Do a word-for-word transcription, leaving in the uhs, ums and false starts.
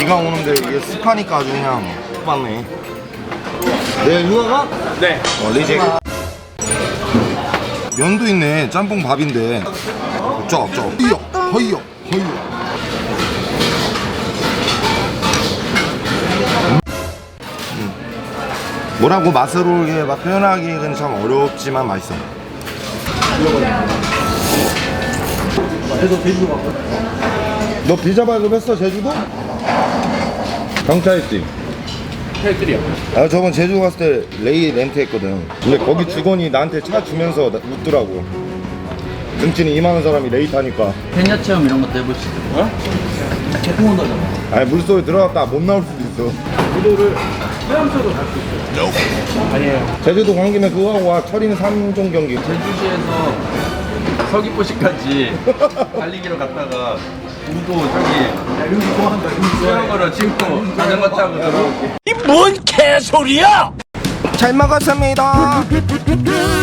비가 오는데 이게 습하니까 아주 그냥 맞네. 네, 누나가? 네. 어, 리제. 면도 있네. 짬뽕 밥인데. 쩍, 쩍. 허이요, 허이요, 허이요. 음. 뭐라고 맛으로 이게 막 표현하기는 참 어렵지만 맛있어. 너 비자 발급했어 제주도? 경찰했지? 헬들이요. 아 저번 제주 갔을 때 레이 렌트했거든. 근데 거기 직원이 나한테 차 주면서 나- 웃더라고. 등치는 이만한 사람이 레이 타니까. 해녀 체험 이런 것도 해보시죠. 어? 태풍 온다잖아. 아니 물속에 들어갔다 못 나올 수도 있어. 구도를 헤엄쳐도 갈 수 있어요. 아니에요. 제주도 간 김에 그거 하고 와. 철인 삼 종 경기. 제주시에서 서귀포시까지 달리기로 갔다가 우도 저기 수영으로 찍고 자전거 타고 들어올게. 잘 먹었습니다.